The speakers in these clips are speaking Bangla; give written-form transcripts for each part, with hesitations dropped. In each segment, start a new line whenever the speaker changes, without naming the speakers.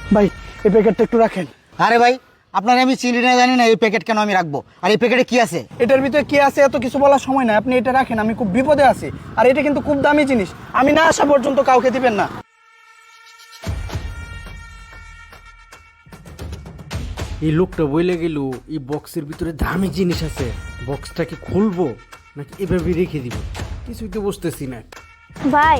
ভাই এই প্যাকেটটা একটু রাখেন।
আরে ভাই, আপনার আমি চিনি না জানি না, এই প্যাকেট কেন আমি রাখবো? আর এই প্যাকেটে কি আছে?
এটার ভিতরে কি আছে এত কিছু বলার সময় নাই, আপনি এটা রাখেন, আমি খুব বিপদে আছি। আর এটা কিন্তু খুব দামি জিনিস, আমি না আসা পর্যন্ত কাউকে দিবেন না।
এই লোকটা বইলে গেল এই বক্সের ভিতরে দামি জিনিস আছে, বক্সটাকে খুলবো নাকি এভাবে রেখে দিব, কিছুই তো বুঝতেছি না।
ভাই,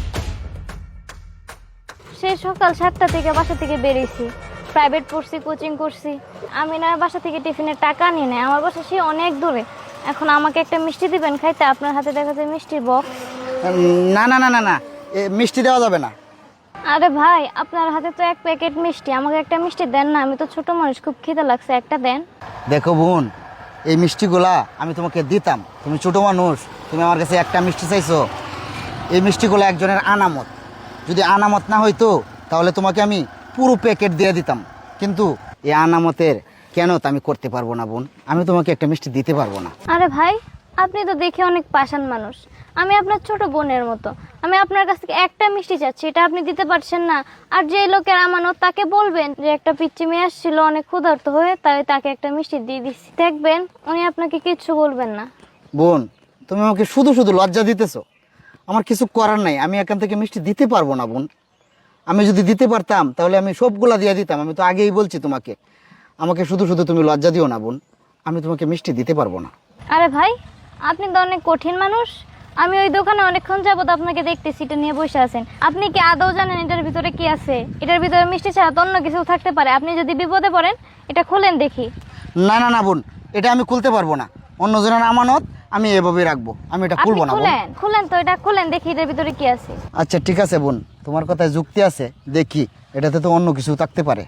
সেই সকাল 7টা থেকে বাসা থেকে বেরিয়েছি, প্রাইভেট পড়ছি, কোচিং করছি। আমি না বাসা থেকে টিফিনের টাকা নিয়ে নেয়, আমার বাসা সে অনেক দূরে। এখন আমাকে একটা মিষ্টি দিবেন খাইতে, আপনার হাতে দেখা যায় মিষ্টির বক্স।
না না না না না, মিষ্টি দেওয়া যাবে না।
আরে ভাই, আপনার হাতে তো 1 প্যাকেট মিষ্টি, আমাকে একটা মিষ্টি দেন না, আমি তো ছোট মানুষ, খুব খিদে লাগছে, একটা দেন।
দেখো বোন, এই মিষ্টিগুলা আমি তোমাকে দিতাম, তুমি ছোট মানুষ, তুমি আমার কাছে একটা মিষ্টি চাইছো। এই মিষ্টিগুলো একজনের আনামত, যদি আনামত না হইতো তাহলে তোমাকে আমি পুরো প্যাকেট দিয়ে দিতাম। কিন্তু এই আনামতের কেন তা আমি করতে পারবো না বোন, আমি তোমাকে একটা মিষ্টি দিতে পারবো না।
আরে ভাই, আপনি তো দেখে অনেক পাষাণ মানুষ, আমি আপনার ছোট বোনের মতো। আমি আপনার কাছ থেকে একটা মিষ্টি চাচ্ছি, এটা আপনি দিতে পারছেন না। আর যে লোকের আমানত, তাকে বলবেন যে একটা পিচ্চি মেয়ে আসছিল অনেক ক্ষুধার্ত হয়ে, তাই তাকে একটা মিষ্টি দিয়ে দিচ্ছি, দেখবেন উনি আপনাকে কিচ্ছু বলবেন না।
বোন, তুমি আমাকে শুধু শুধু লজ্জা দিতেছো, আমার কিছু করার নাই, আমি এখান থেকে মিষ্টি দিতে পারবো না বোন। আমি যদি দিতে পারতাম তাহলে আমি সবগুলা দিয়ে দিতাম, আমি তো আগেই বলছি তোমাকে। আমাকে শুধু শুধু তুমি লজ্জা দিও না বোন, আমি তোমাকে মিষ্টি দিতে পারবো না।
আরে ভাই, আপনি তো অনেক কঠিন মানুষ। আমি ওই দোকানে অনেকক্ষণ যাবত আপনাকে দেখতেছি, এটা নিয়ে বসে আছেন। আপনি কি আদৌ জানেন এটার ভিতরে কি আছে? এটার ভিতরে মিষ্টি ছাড়া তো অন্য কিছু থাকতে পারে। আপনি যদি বিপদে পড়েন, এটা খুলেন দেখি।
না না না বোন, এটা আমি খুলতে পারবো না, অন্যজনের আমানত আমি এভাবেই রাখবো, আমি এটা খুলবো না বোন।
খুলেন খুলেন তো, এটা খুলেন দেখি এটার ভিতরে কি আছে।
আচ্ছা ঠিক আছে বোন, তোমার কথায় যুক্তি আছে, দেখি এটাতে তো অন্য কিছু থাকতে পারে।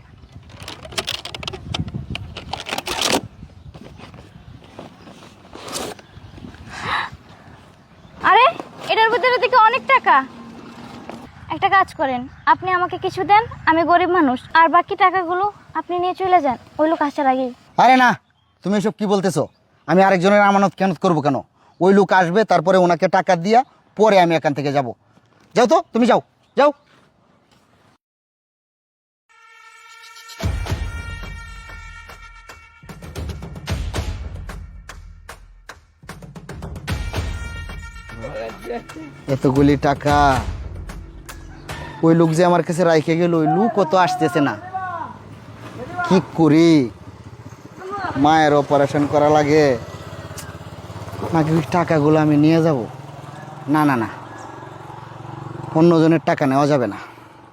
আরে, এটার ভিতরে দেখি অনেক টাকা। একটা কাজ করেন, আপনি আমাকে কিছু দেন, আমি গরিব মানুষ, আর বাকি টাকাগুলো আপনি নিয়ে চলে যান ওই লোক আসার আগেই।
আরে না, তুমি এসব কি বলতেছো? আমি আরেকজনের আমানত কেন করবো? কেন? ওই লোক আসবে, তারপরে ওনাকে টাকা দিয়া পরে আমি এখান থেকে যাব। যাও তো, তুমি যাও যাও। এতগুলি টাকা ওই লোক যে আমার কাছে রাইখে গেল, ওই লোক কত আসতেছে না, কি করি? মায়ের অপারেশন করা লাগে নাকি ওই টাকাগুলো আমি নিয়ে যাব? না না না, অন্যজনের টাকা নেওয়া যাবে না।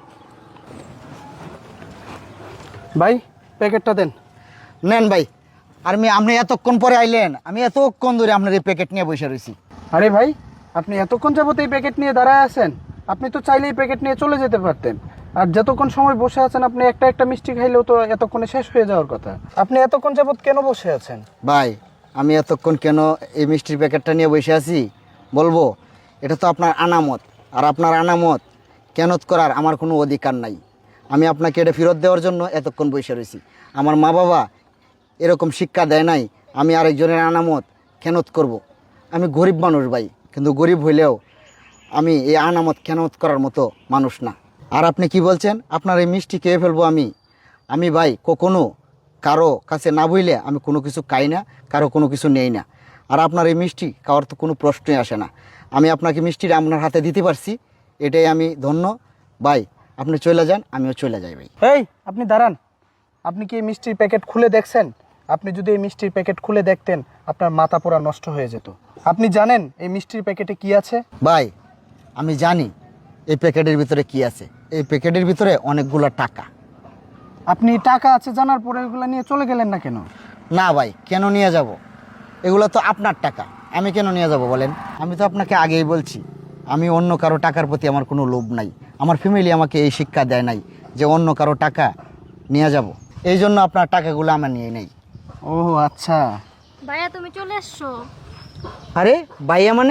ভাই প্যাকেটটা দেন।
নেন ভাই। আর আপনি এতক্ষণ পরে আইলেন, আমি এতক্ষণ ধরে আপনার এই প্যাকেট নিয়ে বসে রয়েছি।
আরে ভাই, আপনি এতক্ষণ যাবত এই প্যাকেট নিয়ে দাঁড়ায় আছেন, আপনি তো চাইলেই প্যাকেট নিয়ে চলে যেতে পারতেন। আর যতক্ষণ সময় বসে আছেন, আপনি একটা একটা মিষ্টি খাইলেও তো এতক্ষণে শেষ হয়ে যাওয়ার কথা। আপনি এতক্ষণ যাবত কেন বসে আছেন?
ভাই, আমি এতক্ষণ কেন এই মিষ্টির প্যাকেটটা নিয়ে বসে আছি বলবো? এটা তো আপনার আনামত, আর আপনার আনামত কেনত করার আমার কোনো অধিকার নাই। আমি আপনাকে এটা ফেরত দেওয়ার জন্য এতক্ষণ বসে রয়েছি। আমার মা বাবা এরকম শিক্ষা দেয় নাই আমি আরেকজনের আনামত কেনত করব। আমি গরিব মানুষ ভাই, কিন্তু গরিব হইলেও আমি এই আনামত কেনত করার মতো মানুষ না। আর আপনি কি বলছেন আপনার এই মিষ্টি খেয়ে ফেলবো? আমি ভাই কখনো কারো কাছে না বইলে আমি কোনো কিছু খাই না, কারো কোনো কিছু নেই না। আর আপনার এই মিষ্টি খাওয়ার তো কোনো প্রশ্নই আসে না। আমি আপনাকে মিষ্টিটা আপনার হাতে দিতে পারছি, এটাই আমি ধন্য। ভাই আপনি চলে যান, আমিও চলে যাই ভাই।
এই আপনি দাঁড়ান, আপনি কি এই মিষ্টির প্যাকেট খুলে দেখছেন? আপনি যদি এই মিষ্টির প্যাকেট খুলে দেখতেন, আপনার মাথা পোড়া নষ্ট হয়ে যেত। আপনি জানেন এই মিষ্টির প্যাকেটে কি আছে?
ভাই আমি জানি এই প্যাকেটের ভিতরে কি আছে। এই প্যাকেটের ভিতরে অনেকগুলো টাকা।
আপনি টাকা আছে জানার পরে এগুলো নিয়ে চলে গেলেন না কেন?
না ভাই, কেন নিয়ে যাব? এগুলো তো আপনার টাকা, আমি কেন নিয়ে যাব বলেন? আমি তো আপনাকে আগেই বলছি, আমি অন্য কারো টাকার প্রতি আমার কোনো লোভ নাই। আমার ফ্যামিলি আমাকে এই শিক্ষা দেয় নাই যে অন্য কারো টাকা নিয়ে যাব। এই জন্য আপনার টাকাগুলো আমার নিয়ে নেই।
ও আচ্ছা।
ভাইয়া, তুমি চলে এসছো?
আরে ভাইয়া মানে?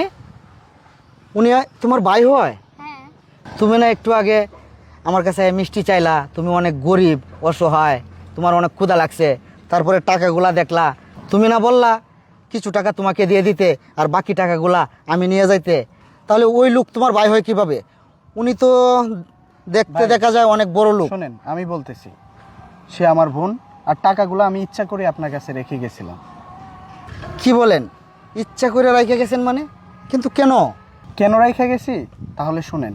উনি তোমার ভাই হয়?
হ্যাঁ।
তুমি না একটু আগে আমার কাছে মিষ্টি চাইলা, তুমি অনেক গরিব অসহায়, তোমার অনেক ক্ষুধা লাগছে, তারপরে টাকাগুলা দেখলা, তুমি না বললা কিছু টাকা তোমাকে দিয়ে দিতে আর বাকি টাকাগুলা আমি নিয়ে যাইতে? তাহলে ওই লোক তোমার ভাই হয় কিভাবে? উনি তো দেখতে
ভাই।
দেখা যায় অনেক বড় লোক।
শোনেন, আমি বলতেছি সে আমার বোন, আর টাকাগুলো আমি ইচ্ছা করে আপনার কাছে রেখে গেছিলাম।
কি বলেন, ইচ্ছা করে রাইখে গেছেন মানে? কিন্তু কেন?
কেন রেখে গেছি তাহলে শুনেন।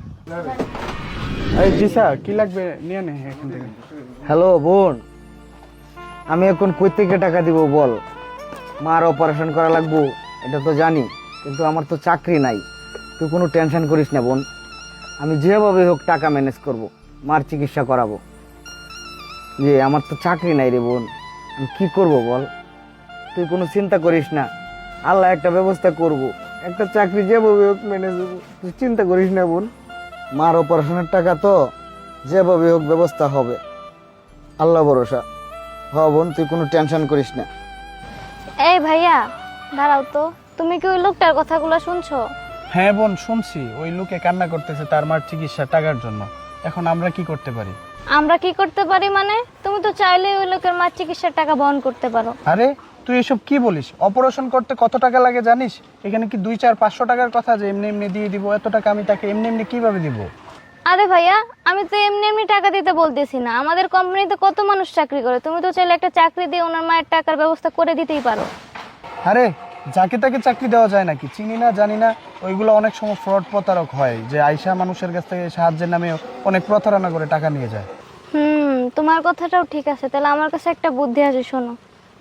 এই জি স্যার, কি লাগবে নিয়ে নে এখান থেকে।
হ্যালো বোন, আমি এখন কই থেকে টাকা দিব বল? মার অপারেশন করা লাগবো এটা তো জানি, কিন্তু আমার তো চাকরি নাই। তুই কোনো টেনশন করিস না বোন, আমি যেভাবে হোক টাকা ম্যানেজ করব, মার চিকিৎসা করাবো। আমার তো চাকরি নাই রে বোন, আমি কি করব বল? তুই কোনো চিন্তা করিস না, আল্লাহ একটা ব্যবস্থা করব, একটা চাকরি যেভাবে হোক ম্যানেজ করবো। তুই চিন্তা করিস না বোন, মার অপারেশনের টাকা তো যেভাবে হোক ব্যবস্থা হবে, আল্লাহ ভরসা। হ বোন, তুই কোনো টেনশন করিস না।
এই ভাইয়া দাঁড়াও তো, তুমি কি ওই লোকটার কথাগুলো শুনছো?
হ্যাঁ বোন, শুনছি। ওই লোকে কান্না করতেছে তার মার চিকিৎসার টাকার জন্য। এখন আমরা কি করতে পারি?
আমরা কি করতে পারি মানে? তুমি তো চাইলেই ওই লোকের মার চিকিৎসার টাকা বহন করতে পারো।
আরে তুই এসব কি বলিস? অপারেশন করতে কত টাকা লাগে জানিস? এখানে কি 2-4-500 টাকার কথা যে এমনি এমনি দিয়ে দিব? এত টাকা আমি তাকে এমনি এমনি কিভাবে দিব?
আরে ভাইয়া, আমি তো এমনি এমনি টাকা দিতে বলতেছি না, আমাদের কোম্পানিতে কত মানুষ চাকরি করে, তুমি তো চাইলে একটা চাকরি দিয়ে ওনার মায়ের টাকার ব্যবস্থা করে দিতেই পারো।
আরে যাকে তাকে চাকরি দেওয়া যায় নাকি? চিনি না, জানি না। ওইগুলো অনেক সময় ফ্রড প্রতারক হয়, যে আইসা মানুষের কাছ থেকে সাহায্যের নামে অনেক প্রতারণা করে টাকা নিয়ে যায়।
তোমার কথাটাও ঠিক আছে, তাহলে আমার কাছে একটা বুদ্ধি আছে, শোনো।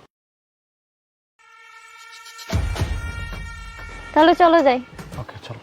তাহলে চলো যাই।
ওকে চলো।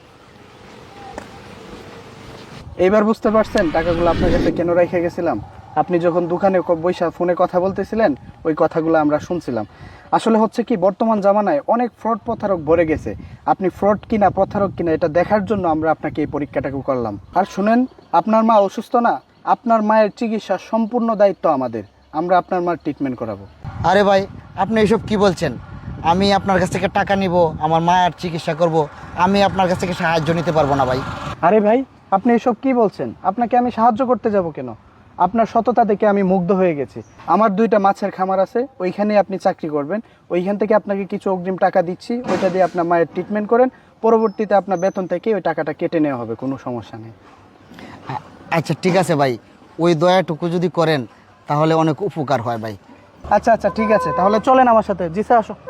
এইবার বুঝতে পারছেন টাকাগুলো আপনার কাছে কেন রেখে গেছিলাম? আপনি যখন দোকানে বৈশা ফোনে কথা বলতেছিলেন, ওই কথাগুলো আমরা শুনছিলাম। আসলে হচ্ছে কি, বর্তমান জামানায় অনেক ফ্রড প্রতারক ভরে গেছে। আপনি ফ্রড কিনা প্রতারক কিনা এটা দেখার জন্য আমরা আপনাকে এই পরীক্ষাটাকে করলাম। আর শুনেন, আপনার মা অসুস্থ না, আপনার মায়ের চিকিৎসার সম্পূর্ণ দায়িত্ব আমাদের। আমরা আপনার মার ট্রিটমেন্ট করাবো।
আরে ভাই, আপনি এসব কি বলছেন? আমি আপনার কাছ থেকে টাকা নিব, আমার মায়ের চিকিৎসা করব, আমি আপনার কাছ থেকে সাহায্য নিতে পারবো না ভাই।
আরে ভাই, আপনি এসব কি বলছেন? আপনাকে আমি সাহায্য করতে যাব কেন? আপনার সততা দেখে আমি মুগ্ধ হয়ে গেছি। আমার 2টা মাছের খামার আছে, ওইখানেই আপনি চাকরি করবেন। ওইখান থেকে আপনাকে কিছু অগ্রিম টাকা দিচ্ছি, ওইটা দিয়ে আপনার মায়ের ট্রিটমেন্ট করেন। পরবর্তীতে আপনার বেতন থেকে ওই টাকাটা কেটে নেওয়া হবে, কোনো সমস্যা নেই।
আচ্ছা ঠিক আছে ভাই, ওই দয়াটুকু যদি করেন তাহলে অনেক উপকার হয় ভাই।
আচ্ছা আচ্ছা ঠিক আছে, তাহলে চলেন আমার সাথে। জি স্যার, আসো।